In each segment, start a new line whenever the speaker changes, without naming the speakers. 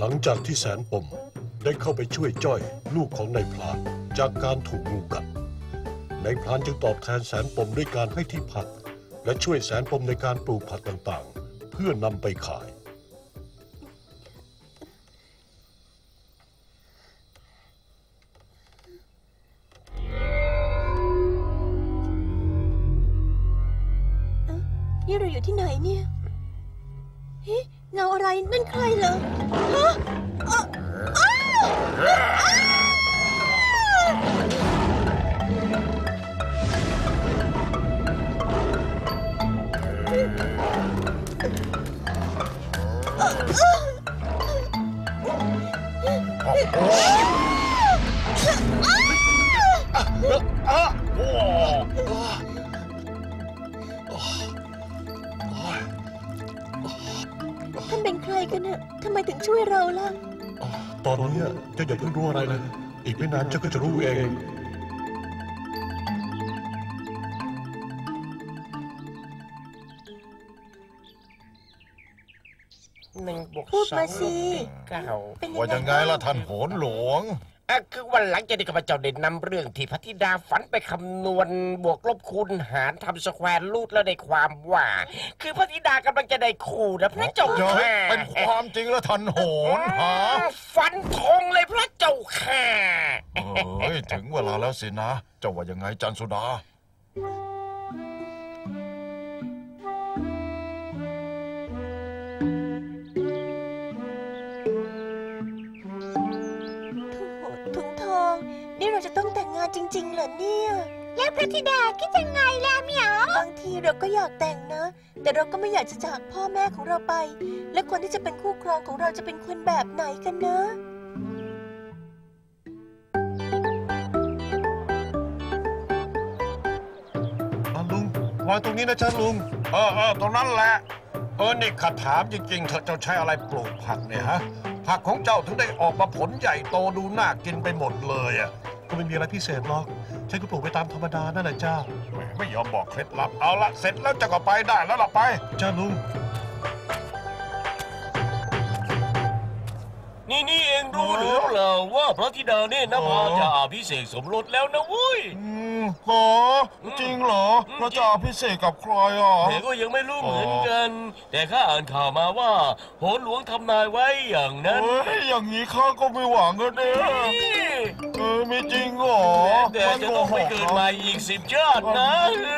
ลังจากที่แสนปมได้เข้าไปช่วยจ้อยลูกของนายพรานจากการถูกงูกัดนายพรานจึงตอบแทนแสนปมด้วยการให้ที่พักและช่วยแสนปมในการปลูกผักต่างๆเพื่อนำไปขาย
นี่เราอยู่ที่ไหนเนี่ยเฮ้เงาอะไรนั่นใครเหรอฮะท่านเป็นใครกันน่ะทำไมถึงช่วยเราล่ะ
ตอนนี้เจ้าอย่าเพิ่งรู้อะไรเลยอีกไม่นานเจ้าก็จะรู้เอง
พูดมาสิ
เป็น
ว่ายังไงล่ะท่านโหนหลวง
คือวันหลังจากที่ข้าพเจ้าได้นำเรื่องที่พระธิดาฝันไปคำนวณบวกลบคูณหารทำสแควร์รูทแล้วได้ความว่า คือพระธิดากำลังจะได้คู่นะพระเจ้า
เฮ้ย
ค่ะ
เป็นความจริงแล้วท่านโหนฮะ
ฟันธงเลยพระเจ้าค่ะ
เฮ้ยถึงเวลาแล้วสินะเจ้าว่ายังไงจันสุดา
ถุงทองนี่เราจะต้องแต่งงานจริงๆเหรอเนี่ยแล้วพระธิดาคิดยังไงล่ะเหมียวบางทีเราก็อยากแต่งนะแต่เราก็ไม่อยากจะจากพ่อแม่ของเราไปและคนที่จะเป็นคู่ครองของเราจะเป็นคนแบบไหนกันนะ
ลุงวางตรงนี้นะจ๊ะลุง
ตรงนั้นแหละนี่ข้าถามจริงๆเธอเจ้าใช้อะไรปลูกผักเนี่ยฮะผักของเจ้าถึงได้ออกมาผลใหญ่โตดูน่ากินไปหมดเลยอ่ะ
ก็ไม่มีอะไรพิเศษหรอกฉันก็ปลูกไปตามธรรมดานั่นแหละจ้า
ไม่ยอมบอกเคล็ดลับเอาละเสร็จแล้วเจะก็ไปได้แล้วล่ะไป
จ้าลุง
นี่เองรู้หรือเปล่าว่าพระธิดาเนี่ยนภาจะอภิเษกสมรสแล้วนะเว้ย
เหรอจริงเหรอเราจะอภิเษกกับใครอ่ะ
แต่ก็ยังไม่รู้เหมือนกัน แต่ข้าอ่านข่าวมาว่าโหนหลวงทำนายไว้อย่างนั้น
อย่างนี้ข้าก็ไม่หวังกันเนี่ยไม่จริงเหรอ
แต่จะต้องไปเกิดใหม่อีก10 ชาตินะ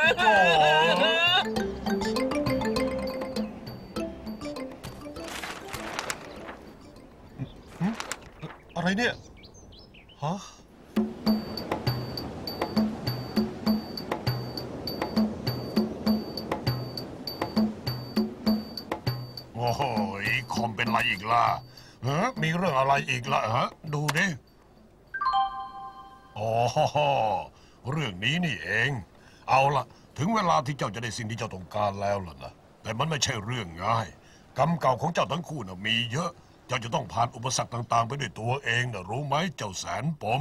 อะไรเนี่ยฮะ
โอ้โหคอมเป็นไรอีกล่ะมีเรื่องอะไรอีกล่ะดูดิอ๋อเรื่องนี้นี่เอง เอาล่ะถึงเวลาที่เจ้าจะได้สิ่งที่เจ้าต้องการแล้วล่ะนะแต่มันไม่ใช่เรื่องง่ายกรรมเก่าของเจ้าทั้งคู่น่ะมีเยอะเจ้าจะต้องผ่านอุปสรรคต่างๆไปด้วยตัวเองนะรู้ไหมเจ้าแสนปม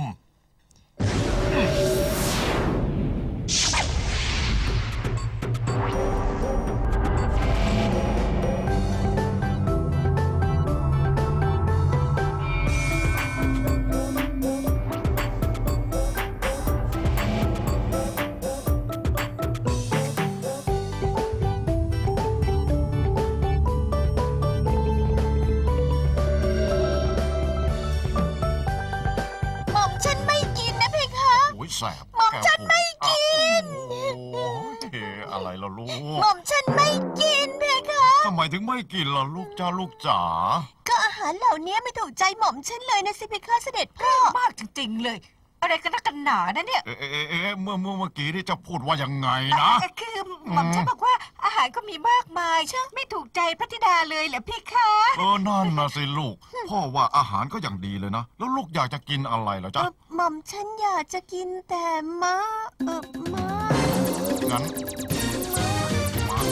หม่อมฉันไม่กินนะเพคะ
โอ้ยแสบ
หม่อมฉันไม่กิน
โอ้ยอะไรล่ะลู
หม่
ก
อมฉันไม่กินเพคะ
ทำไมถึงไม่กินล่ะลูกจ้าลูกจ๋า
ก็อาหารเหล่านี้ไม่ถูกใจหม่อมฉันเลยนะสิเพคะเสด็จพ่อ
มากจริงๆเลย อะไรกันนักกันหนานะเนี่ย
เมื่อกี้ที่จะพูดว่ายังไงนะ
คือหม่อมฉันบอกว่าอาหารก็มีมากมายใช่ไม่ถูกใจพระธิดาเลยเหรอพี่คะ
นั่นนะสิลูก พ่อว่าอาหารก็อย่างดีเลยนะ แล้วลูกอยากจะกินอะไรเหรอจ๊ะ
หม่อมฉันอยากจะกินแต่ม้าม้า
งั้นมะ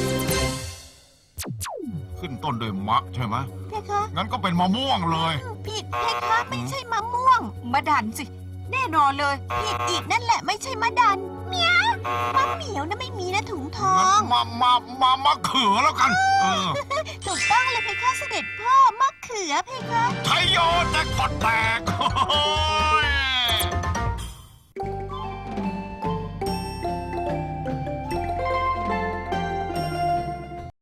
ขึ้นต้นด้วยมะใช่ไหม
เพคะ
งั้นก็เป็นมะม่วงเลย
ผิดเพคะไม่ใช่มะม่วง
มาดันสิ แน่นอนเลย
ผิดอีกนั่นแหละไม่ใช่มะดันเหมียวมะเหมียวนะไม่มีนะถุงทอ
งั้
ง
นมะเขือแล้วกัน
ถูกต้องเลยเพคะเสด็จพ่อมะเขื
ลือเพคะ
ไทยโยแจ็คพอตแตกโอ้